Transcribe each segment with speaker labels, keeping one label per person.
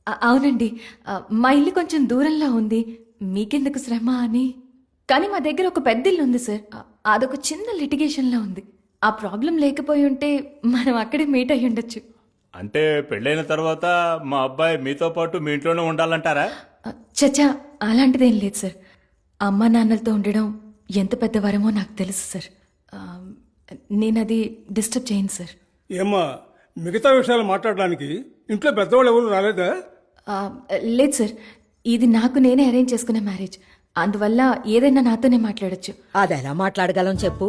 Speaker 1: అవునండి. మా ఇల్లు కొంచెం దూరంలో ఉంది. మీకెందుకు శ్రమ అని. కానీ మా దగ్గర ఒక పెద్ద ఇల్లు ఉంది సార్. అదొక చిన్న లిటిగేషన్లో ఉంది. ఆ ప్రాబ్లం లేకపోయి ఉంటే మనం అక్కడే మీట్ అయ్యి ఉండొచ్చు.
Speaker 2: అంటే పెళ్ళైన తర్వాత మా అబ్బాయి మీతో పాటు మీ ఇంట్లోనే ఉండాలంటారా?
Speaker 1: చచ్చా, అలాంటిదేం లేదు సార్. అమ్మా నాన్నలతో ఉండడం ఎంత పెద్ద వరమో నాకు తెలుసు సార్. నేను అది డిస్టర్బ్ చేయను సార్.
Speaker 3: ఏమ్మా, మిగతా విషయాలు మాట్లాడడానికి ఇంట్లో పెద్దవాళ్ళు ఎవరు రాలేదా?
Speaker 1: లేదు సార్, ఇది నాకు నేనే అరేంజ్ చేసుకున్న మ్యారేజ్. అందువల్ల ఏదైనా నాతోనే మాట్లాడొచ్చు.
Speaker 4: అది ఎలా మాట్లాడగలం చెప్పు.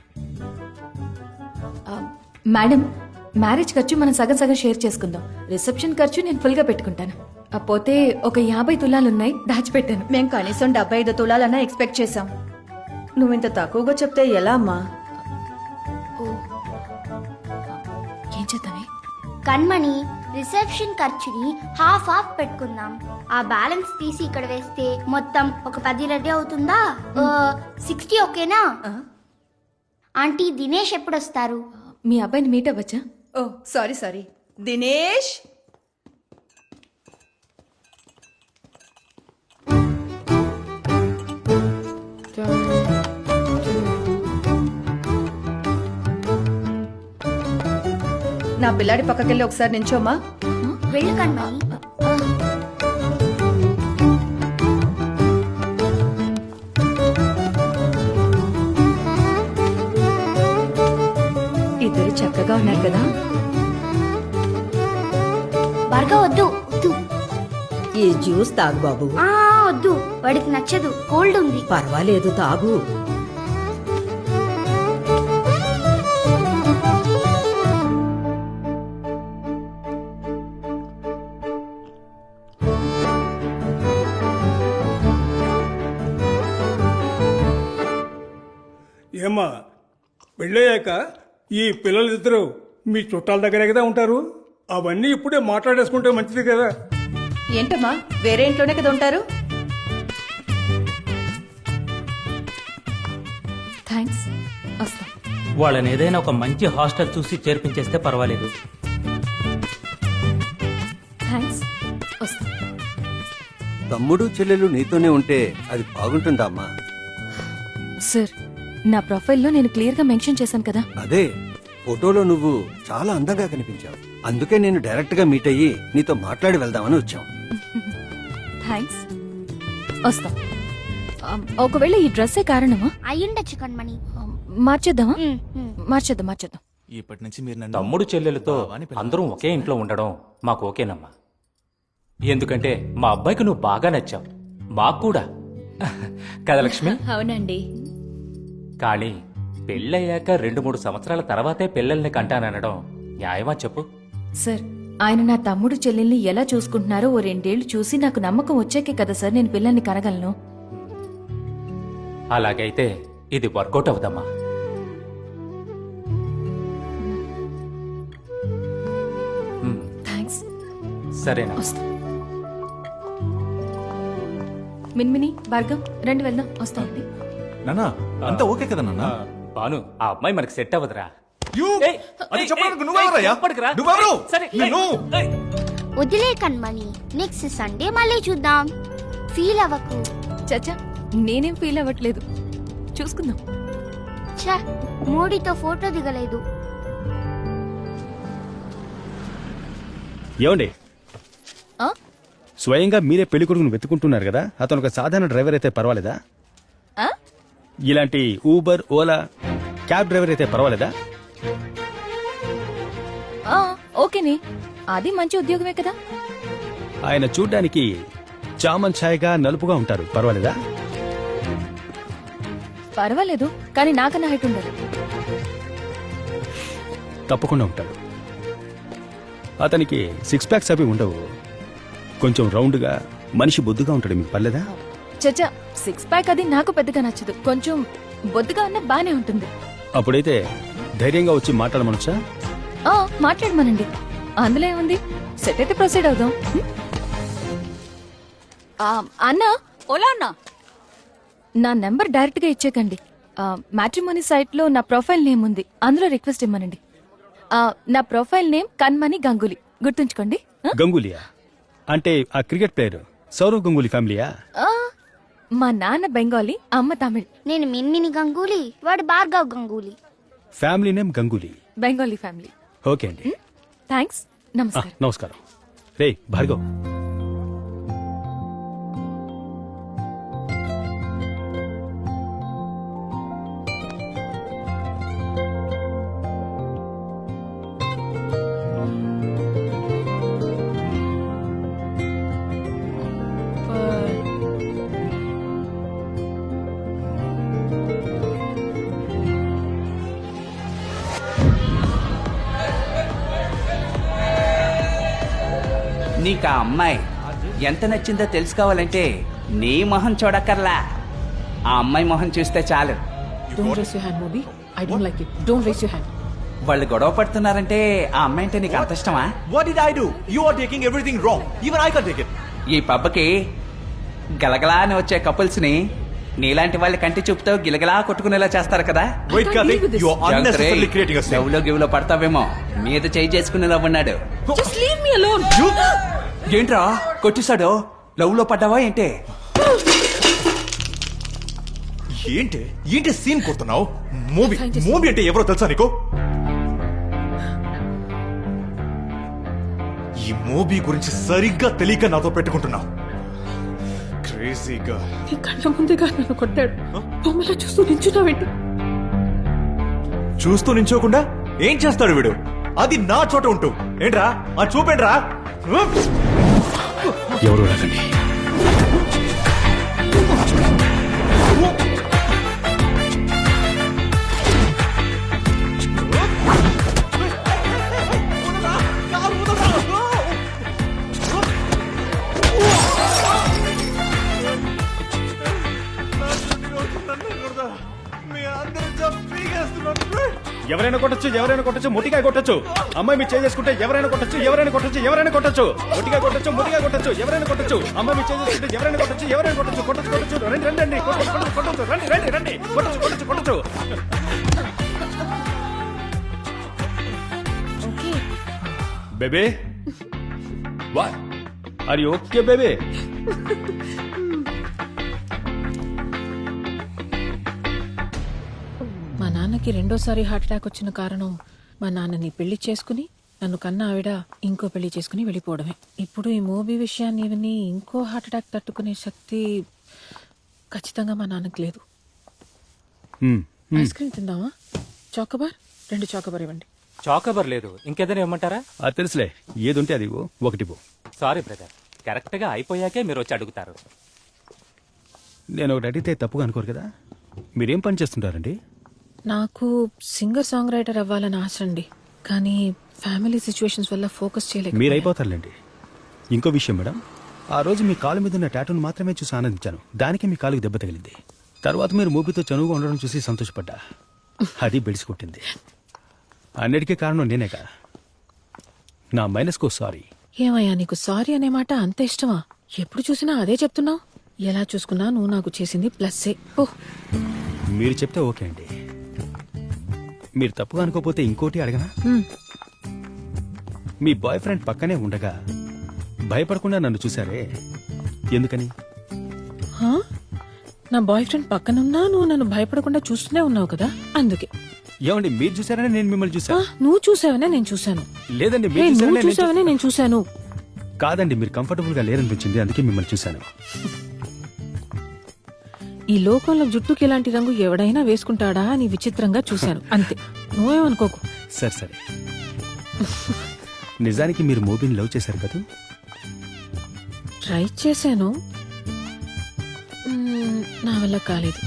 Speaker 1: మేడం, మ్యారేజ్ ఖర్చు మనం సగం సగం షేర్ చేసుకుందాం. రిసెప్షన్ ఖర్చు నేను ఫుల్గా పెట్టుకుంటాను. పోతే ఒక 50 తులాలున్నాయి, దాచిపెట్టాను.
Speaker 5: మేం కనీసం 75 తులాలన్నా ఎక్స్పెక్ట్ చేశాం. నువ్వింత తక్కువగా చెప్తే ఎలా అమ్మా?
Speaker 1: ఏం చేద్దామే?
Speaker 6: కన్మణి, రిసెప్షన్ ఖర్చుని హాఫ్ పెట్టుకుందాం. ఆ బ్యాలెన్స్ తీసి ఇక్కడ వేస్తే మొత్తం ఒక 10 రెడీ అవుతుందా? 60 ఓకేనా? ఆంటీ, దినేష్ ఎప్పుడు వస్తారు?
Speaker 1: మీ అబ్బాయిని మీట్ అవ్వచ్చా?
Speaker 5: ఓ సారీ దినేష్. నా పిల్లాడి పక్కకెళ్ళి ఒకసారి నించోమ్మా.
Speaker 6: వెళ్ళు కన్మణి.
Speaker 5: ఇద్దరు చక్కగా ఉన్నారు కదా.
Speaker 6: బర్గా వద్దు.
Speaker 4: ఈ జ్యూస్ తాగు బాబు.
Speaker 6: వద్దు, వాడికి నచ్చదు, కోల్డ్ ఉంది.
Speaker 4: పర్వాలేదు, తాగు.
Speaker 3: ఏమ్మా, పెళ్ళయ్యాక ఈ పిల్లలిద్దరూ మీ చుట్టాల దగ్గరే కదా ఉంటారు. అవన్నీ ఇప్పుడే మాట్లాడేసుకుంటే మంచిది కదా.
Speaker 5: ఏంటమ్మా, వేరే ఇంట్లోనే కదా ఉంటారు?
Speaker 1: థ్యాంక్స్, వస్తాం.
Speaker 7: వాళ్ళని ఏదైనా ఒక మంచి హాస్టల్ చూసి చేర్పించేస్తే పర్వాలేదు.
Speaker 1: థ్యాంక్స్, వస్తాం.
Speaker 8: తమ్ముడు చెల్లెలు నీతోనే ఉంటే అది బాగుంటుందమ్మా.
Speaker 1: సార్, నా ప్రొఫైల్లో నేను క్లియర్గా మెన్షన్ చేశాను కదా.
Speaker 8: అదే, ఫోటోలో నువ్వు చాలా అందంగా కనిపించావు. అందుకే నేను డైరెక్ట్ గా మీట్ అయ్యి నీతో మాట్లాడి వెళ్దామని వచ్చాం.
Speaker 1: థ్యాంక్స్, వస్తాం. ఒకవేళ ఈ డ్రెస్సే కారణమా?
Speaker 6: అయ్యుండొచ్చు కన్మణి.
Speaker 1: మార్చేద్దామా? మార్చేద్దాం.
Speaker 2: ఇప్పటి నుంచి మీరు
Speaker 7: తమ్ముడు చెల్లెలతో అందరం ఒకే ఇంట్లో ఉండడం మాకు ఓకేనమ్మా. ఎందుకంటే మా అబ్బాయికి నువ్వు బాగా నచ్చావు, మాకు కూడా. కదా లక్ష్మి?
Speaker 1: అవునండి.
Speaker 7: కానీ పెళ్ళయ్యాక 2-3 సంవత్సరాల తర్వాతే పిల్లల్ని కంటాననడం న్యాయమా చెప్పు?
Speaker 1: సార్, ఆయన నా తమ్ముడు చెల్లెల్ని ఎలా చూసుకుంటున్నారో ఓ 2 ఏళ్లు చూసి నాకు నమ్మకం వచ్చాకే కదా సార్ నేను పిల్లల్ని కనగలను.
Speaker 7: అలాగైతే ఇది వర్కౌట్ అవుదమ్మా.
Speaker 1: థ్యాంక్స్.
Speaker 7: సరేనా?
Speaker 1: వస్తాం. మిన్మిని, భార్గవ్, రండి వెళ్దాం. వస్తామండి.
Speaker 2: నానా, అంతా ఓకే కదా నాన్న?
Speaker 7: బాను, ఆ అమ్మాయి మనకి సెట్ అవ్వదురా.
Speaker 6: వదిలే కన్మణి, నెక్స్ట్ సండే మళ్ళీ చూద్దాం. ఫీల్ అవ్వకు.
Speaker 1: చచ్చా, నేనేం ఫీల్ అవ్వట్లేదు. చూసుకుందాం.
Speaker 6: ఛ, మోడీతో ఫోటో దిగలేదు.
Speaker 9: ఏమండి, స్వయంగా మీరే పెళ్లి కొడుకును వెతుకుంటున్నారు కదా, అతను ఒక సాధారణ డ్రైవర్ అయితే పర్వాలేదా? ఇలాంటి ఊబర్, ఓలా, క్యాబ్ డ్రైవర్ అయితే పర్వాలేదా?
Speaker 1: ఓకేనే, అది మంచి ఉద్యోగమే కదా.
Speaker 9: ఆయన చూడ్డానికి చామన్ ఛాయగా నలుపుగా ఉంటారు, పర్వాలేదా?
Speaker 1: పర్వాలేదు, కానీ నాకన్నా హైట్ ఉండదు.
Speaker 9: తప్పకుండా ఉంటాడు. అతనికి 6 ప్యాక్స్ అవి ఉండవు, కొంచెం రౌండ్గా మనిషి బొద్దుగా ఉంటాడు. మీకు పర్లేదా?
Speaker 1: చచ్చా, 6 ప్యాక్ అది నాకు పెద్దగా నచ్చదు. కొంచెం బొద్దుగా ఉన్న బానే ఉంటుంది.
Speaker 9: అప్పుడైతే ధైర్యంగా వచ్చి మాట్లాడమనొచ్చా?
Speaker 1: మాట్లాడమనండి, అందులో ఏముంది. సెట్ అయితే ప్రొసీడ్ అవుదాం. అన్నా, ఓలా అన్నా, నా నెంబర్ డైరెక్ట్ గా ఇచ్చేకండి. మ్యాట్రిమోనీ సైట్ లో నా ప్రొఫైల్ నేమ్ ఉంది, అందులో రిక్వెస్ట్ ఇమ్మనండి. నా ప్రొఫైల్ నేమ్ కన్మణి గంగూలీ, గుర్తుంచుకోండి.
Speaker 9: గంగూలియా? అంటే ఆ క్రికెట్ ప్లేయర్ సౌరవ్ గంగూలీ ఫ్యామిలీయా?
Speaker 1: ఆ, మా నాన్న బెంగాలీ, అమ్మ తమిళ్.
Speaker 6: నేను మిన్మిని గంగూలీ, వాడు Bhargav Ganguly.
Speaker 9: Family name Ganguly.
Speaker 1: Bengali family.
Speaker 9: Okay అండి.
Speaker 1: థ్యాంక్స్. నమస్కారం.
Speaker 9: నమస్కారం. రే భార్గవ్,
Speaker 10: నీకు ఆ అమ్మాయి ఎంత నచ్చిందో తెలుసుకోవాలంటే నీ మొహం చూడక్కర్లా, ఆ అమ్మాయి మొహం చూస్తే చాలు. వాళ్ళు గొడవ పడుతున్నారంటే ఆ అమ్మాయి అంటే నీకు అంత ఇష్టమా?
Speaker 11: What did I do? You are taking everything wrong. Even I can't take it.
Speaker 10: ఈ పబ్బకి గలగలా అని వచ్చే కపుల్స్ ని నీలాంటి వాళ్ళ కంటి చూపుతో గిలగలా కొట్టుకునేలా చేస్తారు కదా.
Speaker 11: Wait, Karthik. You are unnecessarily creating a scene.
Speaker 10: లవ్లో గివ్లో పడతావేమో, మీద చేయి చేసుకునేలా ఉన్నాడు. ఏంట్రా కొట్టేశాడు? లవ్ లో పడ్డావా ఏంటి?
Speaker 11: ఏంటి సీన్ కొడుతున్నావు? మూవీ అంటే ఎవరో తెలుసా నీకు? ఈ మూవీ గురించి సరిగ్గా తెలియక నాతో పెట్టుకుంటున్నావు. క్రేజీగా
Speaker 5: నీ కళ్ళ ముందుగా నన్ను కొట్టాడు, బొమ్మలా చూస్తూ నించున్నావేంటి?
Speaker 11: చూస్తూ నించోకుండా ఏం చేస్తాడు వీడు? అది నా చోట ఉంటూ ఏంట్రా ఆ చూపేంట్రా?
Speaker 9: ఎవరు రాకండి. ఎవరైనా కొట్టచ్చు, మొట్టిగా కొట్టచ్చు. అమ్మాయి మీరు చేసుకుంటే ఎవరైనా కొట్టచ్చు. మొట్టిగా కొట్టచ్చు, ఎవరైనా కొట్టచ్చు. అమ్మాయి మీరు చేసుకుంటే ఎవరైనా కొట్టచ్చు. కొట్టచ్చు. రండి. కొట్టచ్చు. రండి. కొట్టచ్చు. Baby, what are you okay baby?
Speaker 5: మా నాన్నకి రెండోసారి హార్ట్ అటాక్ వచ్చిన కారణం మా నాన్నని పెళ్లి చేసుకుని నన్ను కన్న ఆవిడ ఇంకో పెళ్లి చేసుకుని వెళ్ళిపోవడమే. ఇప్పుడు ఈ మూవీ విషయాన్ని ఇవన్నీ ఇంకో హార్ట్ అటాక్ తట్టుకునే శక్తి ఖచ్చితంగా మా నాన్నకి లేదు. ఐస్ క్రీమ్ తిందామా? చాకోబార్ 2 చాకోబార్ ఇవ్వండి.
Speaker 7: చాకోబర్ లేదు, ఇంకేదైనా ఇవ్వమంటారా?
Speaker 9: అది తెలుసులే, ఏదుంటే అది ఇవ్వు. ఒకటి పో.
Speaker 7: సారీ బ్రదర్, కరెక్ట్ గా అయిపోయాకే మీరు వచ్చి అడుగుతారు.
Speaker 9: నేను ఒకటి అడిగితే తప్పుగా అనుకోరు కదా. మీరేం పని చేస్తుంటారండి?
Speaker 5: నాకు సింగర్ సాంగ్ రైటర్ అవ్వాలని ఆశ అండి, కానీ ఫ్యామిలీ సిచ్యువేషన్స్ వల్ల ఫోకస్ చేయలేక.
Speaker 9: మీరు అయిపోతారులేండి. ఇంకో విషయం మేడం, ఆ రోజు మీ కాలు మీద ఉన్న టాటూను మాత్రమే చూసి ఆనందించాను. దానికి మీ కాలుకి దెబ్బ తగిలింది. తర్వాత మీరు మూవీతో చనువుగా ఉండడం చూసి సంతోషపడ్డా. అది బెడిసి కొట్టింది. అన్నిటికీ కారణం నేనేగా. నా మైనస్కో సారీ.
Speaker 5: ఏమయ్యా, నీకు సారీ అనే మాట అంత ఇష్టమా? ఎప్పుడు చూసినా అదే చెప్తున్నావు. ఎలా చూసుకున్నా నువ్వు నాకు చేసింది ప్లస్సే. ఓ,
Speaker 9: మీరు చెప్తే ఓకే అండి. మీరు తప్పుగా అనుకోపోతే ఇంకోటి అడగనా? మీ బాయ్ ఫ్రెండ్ పక్కనే ఉండగా భయపడకుండా నన్ను చూసారే, ఎందుకని?
Speaker 5: హా? నా బాయ్ ఫ్రెండ్ పక్కనున్నా నువ్వు నన్ను భయపడకుండా చూస్తూనే ఉన్నావు కదా, అందుకే.
Speaker 9: ఏమండి, మీరు చూసారనే నేను మిమ్మల్ని చూసా.
Speaker 5: నువ్వు చూసావనే నేను చూశాను.
Speaker 9: లేదండి,
Speaker 5: నువ్వు చూసావనే నేను చూశాను.
Speaker 9: కాదండి, మీరు కంఫర్టబుల్ గా లేరనిపించింది, అందుకే మిమ్మల్ని చూశాను.
Speaker 5: ఈ లోకంలో జుట్టుకి ఇలాంటి రంగు ఎవడైనా వేసుకుంటాడా అని విచిత్రంగా చూశాను, అంతే. నువ్వేమనుకోకు.
Speaker 9: సరే. నిజానికి మీరు మూవీని లవ్ చేశారు కదా?
Speaker 5: ట్రై చేశాను, నా వల్ల కాలేదు.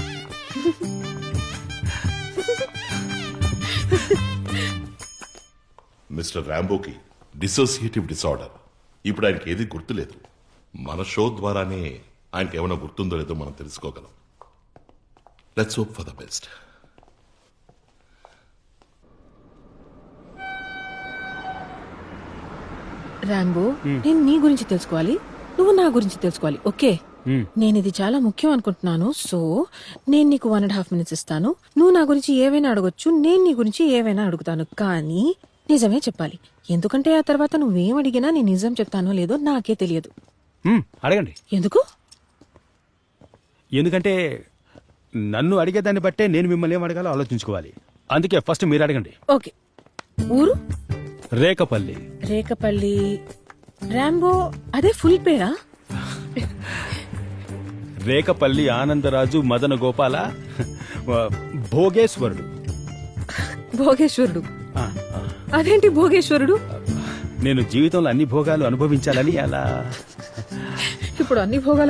Speaker 12: మిస్టర్ రాంబోకి డిసోసియేటివ్ డిసార్డర్. ఇప్పుడు ఆయనకి ఏది గుర్తులేదు. మన షో ద్వారానే ఆయనకి ఏమైనా గుర్తుందో లేదో మనం తెలుసుకోగలం. Let's hope for the best.
Speaker 5: Rambo, నేను నీ గురించి తెలుసుకోవాలి, నువ్వు నా గురించి తెలుసుకోవాలి. ఓకే, నేను ఇది చాలా ముఖ్యం అనుకుంటున్నాను. సో నేను నీకు 1.5 minutes ఇస్తాను. నువ్వు నా గురించి ఏవైనా అడగొచ్చు, నేను నీ గురించి ఏవైనా అడుగుతాను. కానీ నిజమే చెప్పాలి, ఎందుకంటే ఆ తర్వాత నువ్వేం అడిగినా నేను నిజం చెప్తానో లేదో నాకే తెలియదు.
Speaker 9: అడగండి.
Speaker 5: ఎందుకు?
Speaker 9: ఎందుకంటే నన్ను అడిగేదాన్ని బట్టే నేను మిమ్మల్ని ఏం అడగాలో ఆలోచించుకోవాలి. అందుకే ఫస్ట్ మీరు అడగండి.
Speaker 5: ఓకే. ఊరు?
Speaker 9: రేకపల్లి.
Speaker 5: రేకపల్లి. రాంబో అదే ఫుల్ పేరా?
Speaker 9: రేకపల్లి ఆనందరాజు మదన గోపాల భోగేశ్వరుడు.
Speaker 5: భోగేశ్వరుడు?
Speaker 9: ఆ, ఆ.
Speaker 5: అదేంటి భోగేశ్వరుడు?
Speaker 9: నేను జీవితంలో అన్ని భోగాలు అనుభవించాలని అలా.
Speaker 5: ఇప్పుడు అన్ని భోగాలు